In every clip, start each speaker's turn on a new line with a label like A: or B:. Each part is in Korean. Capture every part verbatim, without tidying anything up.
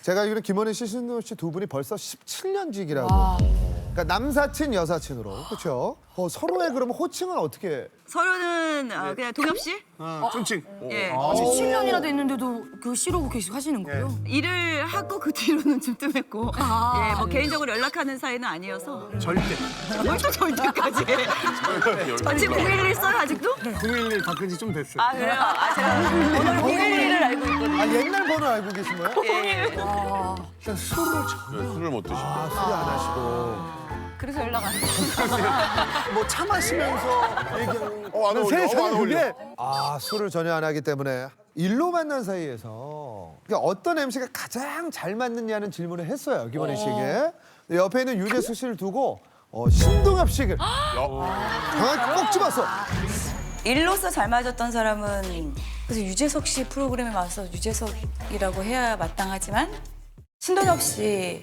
A: 제가 알기로는 김원희 씨, 신동엽 씨 두 분이 벌써 십칠 년직이라고. 그러니까 남사친, 여사친으로. 그렇죠? 어, 서로의 그러면 호칭은 어떻게?
B: 서로는 어, 그냥 동엽 씨?
C: 어, 존칭.
B: 예.
D: 십칠 년이나 됐는데도 그 씨로고 계속 하시는 거예요?
B: 일을 하고 그 뒤로는 좀 뜸했고 예, 뭐 개인적으로 연락하는 사이는 아니어서
C: 절대.
B: 뭘 또 절대까지 저 지금 공일일 써요 아직도?
C: 공일일 바꾼 지 좀 됐어요.
B: 아 그래요? 아 제가 오늘 공일일을 알고 있거든요.
A: 아, 옛날 번호 알고 계신 거예요?
B: 예.
A: 일단 술을 전...
E: 네, 술을 못 드시고.
A: 아, 술이 안 하시고.
B: 그래서 연락 안 해요.
C: 뭐 차 마시면서 얘기하는
E: 어, 안 어울려.
A: 세상에
E: 어, 안 어울려.
A: 그게 아, 술을 전혀 안 하기 때문에 일로 만난 사이에서 그러니까 어떤 엠씨가 가장 잘 맞느냐는 질문을 했어요, 김원희 씨에게. 옆에 있는 유재석 씨를 두고 어, 신동엽 씨를 정확히 꼭 집었어.
B: 일로서 잘 맞았던 사람은 그래서 유재석 씨 프로그램에 와서 유재석이라고 해야 마땅하지만 신동엽 씨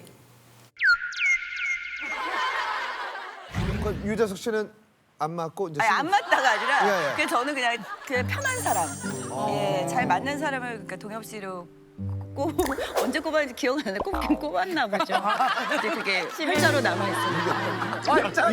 A: 그 유재석 씨는 안 맞고 이제
B: 아니
A: 신-
B: 안 맞다가 아니라
A: 예, 예.
B: 그냥 저는 그냥 그냥 편한 사람, 예, 잘 맞는 사람을 그러니까 동엽 씨로 꼽 언제 꼽았는지 기억 안 나는데 꼽긴 꼽았나 보죠. 이제 그게 활자로 남아 있습니다.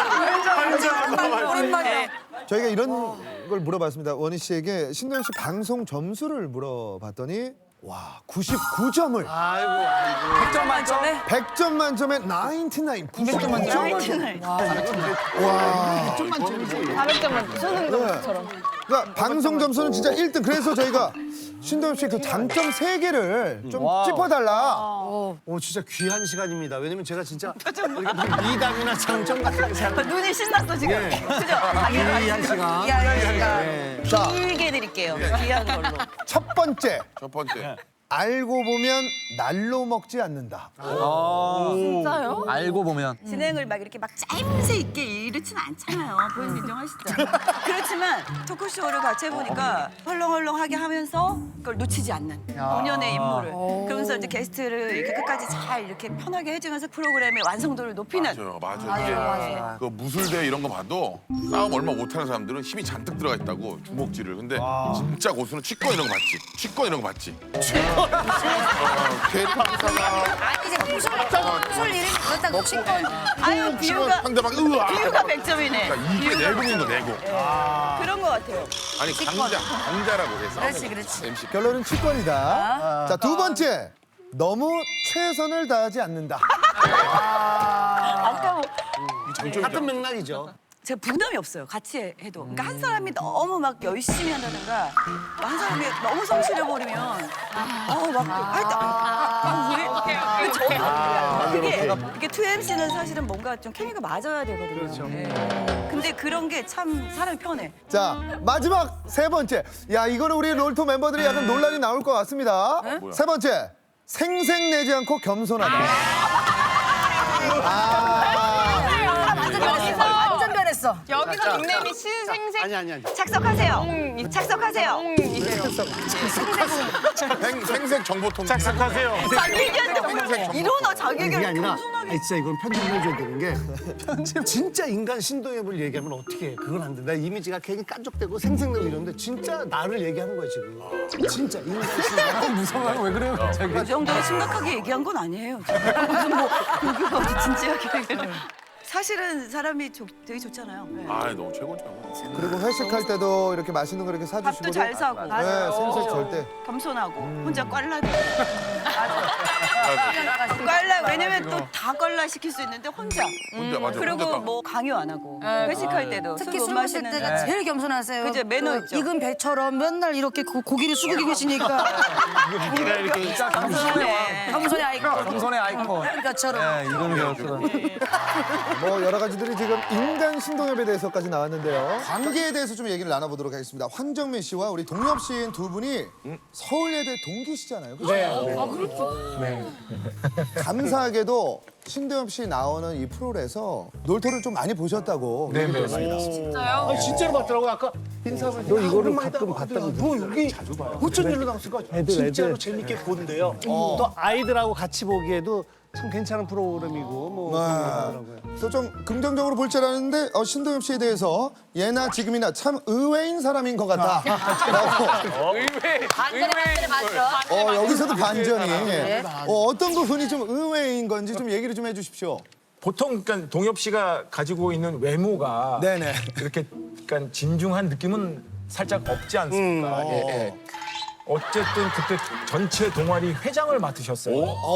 D: 오랜만에.
A: 저희가 이런 걸 물어봤습니다. 원희 씨에게 신동엽 씨 방송 점수를 물어봤더니 와 구십구 점을
C: 아이고, 아이고.
D: 백 점 만점에?
A: 백 점 만점에 구십구, 구십 점 만점.
B: 라이트는
A: 와.
D: 사백 점 만점. 수능점수처럼.
A: 그러니까 방송 점수는 진짜 일 등. 그래서 저희가 신동엽 씨 그 장점 세 개를 좀 짚어달라.
C: 오, 진짜 귀한 시간입니다. 왜냐면 제가 진짜 이렇게 미담이나 장점 같은 게 생각.
B: 눈이 신났어 지금.
A: 예.
B: 그죠? 자기가
C: 귀한 시간.
B: 귀한 시간.
C: 네.
A: 자,
B: 길게 드릴게요. 귀한 걸로.
A: 첫 번째.
E: 첫 번째.
A: 알고 보면 날로 먹지 않는다.
D: 진짜요?
F: 알고 보면
B: 진행을 막 이렇게 막 짜임새 있게 이렇진 않잖아요. 본인 인정하시죠? 그렇지만 토크쇼를 같이 해보니까 헐렁헐렁하게 하면서 그걸 놓치지 않는 본연의 인물을. 그러면서 이제 게스트를 이렇게 끝까지 잘 이렇게 편하게 해주면서 프로그램의 완성도를 높이는.
E: 맞아요, 맞아요. 이게 그 무술대 이런 거 봐도 싸움 얼마 못하는 사람들은 힘이 잔뜩 들어가 있다고 주먹질을. 근데 진짜 고수는 치권 이런 거 봤지. 치권 이런 거 봤지. 어, 개판사가
D: 아니 이제 무술 무술 이름이 그렇다고 친구.
B: 아유 비유가
E: 상대방 으아.
B: 비유가 백 점이네.
E: 그러니까 이게 내공인 거 내공.
B: 그런 것 같아요.
E: 아니 강자, 강자라고 해서.
D: 그렇지, 그렇지.
E: 엠씨.
A: 결론은 치권이다. 자, 두 번째. 너무 최선을 다하지 않는다.
B: 아까 뭐
C: 같은 맥락이죠.
B: 제가 부담이 없어요. 같이 해도. 그러니까 한 사람이 너무 막 열심히 한다든가 한 사람이 너무 성실해 버리면 어막할때 아, 왜? 근데 저는 그게 이게 투 엠씨는 사실은 뭔가 좀 케미가 맞아야 되거든요.
C: 그렇죠.
B: 네. 근데 그런 게 참 사람이 편해.
A: 자, 마지막 세 번째. 야, 이거는 우리 롤토 멤버들이 약간 논란이 나올 것 같습니다. 세 번째. 생색내지 않고 겸손하다. 아,
D: 완전 변했어. 완전 변했어.
G: 여기서 닉네임이 신생생
C: 아니, 아니, 아니.
B: 착석하세요. 착석하세요.
E: 생, 생색 정보통.
C: 착석하세요.
B: 자기 얘기한테 일어나 자기
C: 그게
B: 얘기를
C: 아니라
B: 겸손하게.
C: 아니, 진짜 이건 편집을 해줘야 되는 게 진짜 인간 신동엽을 얘기하면 어떻게 해. 그건 안 돼. 나 이미지가 괜히 깐족되고 생생내고 이러는데 진짜 나를 얘기하는 거야 지금. 진짜 인간 신동엽.
F: 무서워요. 왜 그래요? 갑자기?
B: 그 정도로 심각하게 얘기한 건 아니에요. 무슨 뭐 여기가 어디 진지하게 얘기를. 사실은 사람이 좋- 되게 좋잖아요. 네.
E: 아, 너무 최고죠.
A: 그리고 회식할 때도 이렇게 맛있는 거 이렇게 사주시고.
B: 밥도 잘 사고.
A: 네, 생색 절대.
B: 겸손하고 혼자 꽐라도. 꽐라 왜냐면 또 다 꽐라 시킬 수 있는데 혼자.
E: 혼자 맞아.
B: 그리고
E: 혼자
B: 뭐 강요 안 하고 회식할 때도
D: 특히
B: 술 못
D: 술 마실
B: 마시는.
D: 때가 제일 겸손하세요.
B: 그죠, 매너 있죠.
D: 익은 배처럼 맨날 이렇게 고, 고기를 숙이고 계시니까
C: 네가 이렇게
F: 진짜 겸손해.
D: 겸손의 아이콘.
F: 겸손의 아이콘.
D: 것처럼.
F: 네, 이건 배웠어.
A: 뭐 여러 가지들이 지금 인간 신동엽에 대해서까지 나왔는데요. 관계에 대해서 좀 얘기를 나눠보도록 하겠습니다. 황정민 씨와 우리 동엽 씨인 두 분이 서울예대 동기시잖아요. 그렇죠?
C: 네.
D: 아 그렇죠.
A: 감사하게도 신동엽 씨 나오는 이 프로에서 놀토를 좀 많이 보셨다고. 네, 네.
C: 아니, 진짜로 봤더라고요. 아까 인사를 너 이거를 가끔 봤다고 너 여기 어쩐 일로 나왔을까? 진짜로 재밌게 본대요. 또 아이들하고 같이 보기에도 참 괜찮은 프로그램이고 뭐 그런 거 하더라고요.
A: 그래서 좀 긍정적으로 볼 줄 알았는데 어, 신동엽 씨에 대해서 예나 지금이나 참 의외인 사람인 것 같다. 라고.
G: 반전에 맞죠?
A: 어, 여기서도 반전이. 어, 어떤 부분이 좀 의외인 건지 좀 얘기를 좀 해주십시오.
H: 보통 그러니까 동엽 씨가 가지고 있는 외모가
A: 네네.
H: 이렇게 그러니까 진중한 느낌은 살짝 없지 않습니까? 예, 예. 어쨌든 그때 전체 동아리 회장을 맡으셨어요.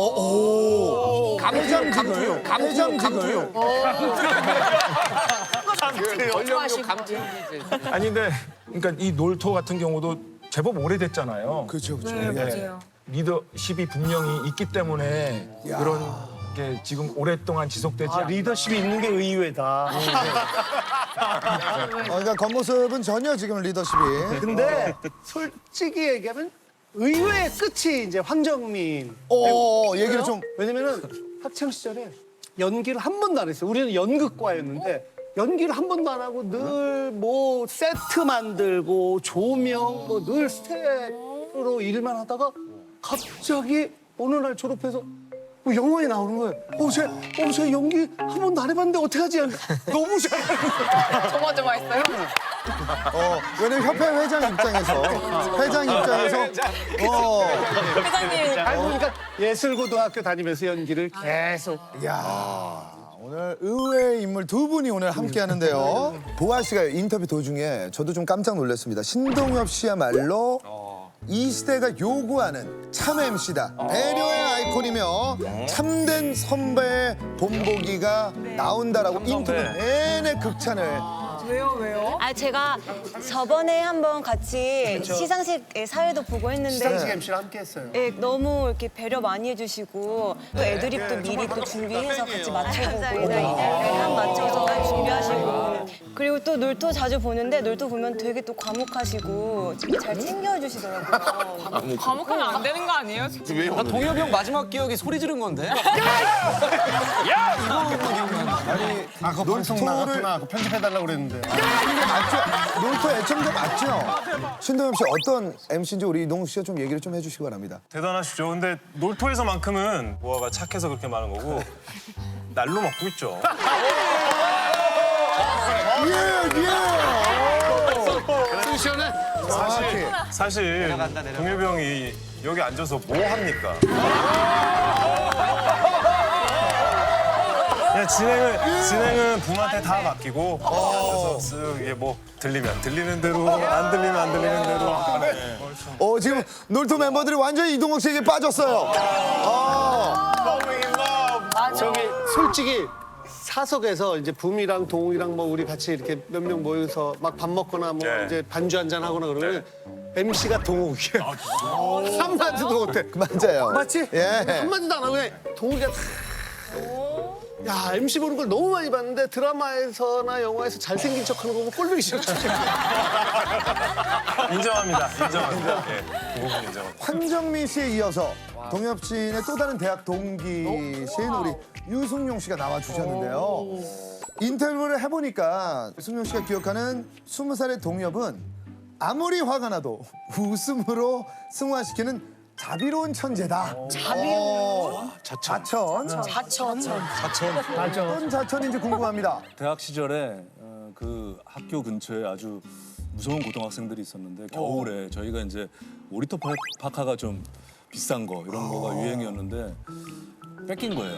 A: 회장직을. 회장직을.
H: 아니 근데 그러니까 이 놀토 같은 경우도 제법 오래됐잖아요.
A: 그렇죠, 그렇죠.
D: 네, 맞아요.
H: 리더십이 분명히 있기 때문에 그런 게 지금 오랫동안 지속되지
C: 아,
H: 않.
C: 리더십이 있는 게 의외다.
A: 어, 그러니까 겉모습은 전혀 지금 리더십이.
C: 근데 솔직히 얘기하면 의외의 끝이 이제 황정민.
A: 어, 얘기를 좀.
C: 왜냐면은 학창 시절에 연기를 한 번도 안 했어요. 우리는 연극과였는데 연기를 한 번도 안 하고 늘 뭐 세트 만들고 조명 뭐 늘 스텝으로 일만 하다가 갑자기 어느 날 졸업해서 뭐 영화에 나오는 거예요. 어, 쟤, 어, 쟤 연기 한 번도 안 해봤는데 어떡하지? 너무 잘하는 거예요.
G: 조마조마했어요?
A: 어, 왜냐면 협회 회장 입장에서. 회장 입장에서. 어.
G: 회장님.
C: 알고 보니까 예술고등학교 다니면서 연기를 계속.
A: 이야, 오늘 의외의 인물 두 분이 오늘 함께 하는데요. 보아 씨가 인터뷰 도중에 저도 좀 깜짝 놀랐습니다. 신동엽 씨야말로 이 시대가 요구하는 참 엠씨다. 배려의 아이콘이며 참된 선배의 본보기가 나온다라고 인터뷰 내내 극찬을.
I: 아 제가 저번에 한번 같이 시상식 사회도 보고 했는데
C: 시상식 엠씨랑 함께 했어요.
I: 예, 너무 이렇게 배려 많이 해주시고 또 애드립도 미리 또 준비해서 같이 맞춰보고 네, 한 맞춰서 준비하시고 그리고 또 놀토 자주 보는데 놀토 보면 되게 또 과묵하시고 잘 챙겨주시더라고요.
G: 과묵하면 안 되는 거 아니에요?
E: 왜
F: 나 동엽이 형 마지막 기억이 소리 지른 건데.
C: 아, 그거 방송 나갔구나. 그거 편집해달라고 그랬는데.
A: 근데 맞죠? 놀토 애청자 맞죠? 신동엽 씨 어떤 엠씨인지 우리 이동욱 씨가 좀 얘기를 좀 해주시기 바랍니다.
J: 대단하시죠. 근데 놀토에서만큼은 보아가 착해서 그렇게 많은 거고 날로 먹고 있죠.
A: 예, 예.
J: 시원해. 사실 사실 동엽이 형이 여기 앉아서 뭐 합니까? 그냥 진행은 진행은 붐한테 다 맡기고 그래서 쓱 이게 뭐 들리면 들리는 대로 안 들리면 안 들리는 대로. 네.
A: 어, 지금 놀토 멤버들이 완전히 이동욱 씨에게 빠졌어요. 어.
C: 저기 솔직히 사석에서 이제 붐이랑 동욱이랑 뭐 우리 같이 이렇게 몇 명 모여서 막 밥 먹거나 뭐
J: 네.
C: 이제 반주 한잔 하거나 그러면 엠씨가 동욱이야. 한마디도 못해.
A: 맞아요.
C: 맞지?
A: 예.
C: 한마디도 안 하고 그냥 동욱이가 다. 야, 엠씨 보는 걸 너무 많이 봤는데 드라마에서나 영화에서 잘생긴 척하는 거 보면 꼴보기 싫어.
J: 인정합니다. 인정합니다. 예, 그 부분 인정합니다.
A: 황정민 씨에 이어서 동엽 씨의 또 다른 대학 동기신 우리 유승용 씨가 나와주셨는데요. 인터뷰를 해보니까 승용 씨가 기억하는 스무 살의 동엽은 아무리 화가 나도 웃음으로 승화시키는 자비로운 천재다. 자비로운 자천. 자천.
D: 자천.
A: 어떤 자천인지 궁금합니다.
K: 대학 시절에 어, 그 학교 근처에 아주 무서운 고등학생들이 있었는데 겨울에 저희가 이제 오리터 파- 파카가 좀 비싼 거 이런 거가 유행이었는데 뺏긴 거예요.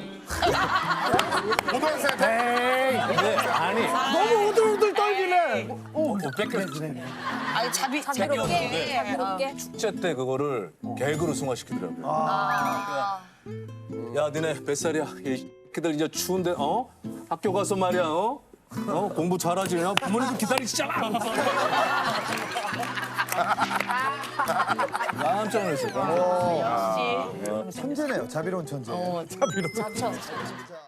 C: 에이, 아니. 너무 우들우들 떨기네.
K: 어, 뺏겼어.
G: 아니 자비 자비롭게. 자비롭게.
K: 축제 때 그거를 개그로 승화시키더라고요. 야, 니네 몇 살이야? 이 새끼들 이제 추운데 어? 학교 가서 말이야 어? 어? 공부 잘하지? 야, 부모님도 기다리시잖아. 깜짝 놀랐어요.
A: 천재네요. 자비로운 천재.
G: 자천.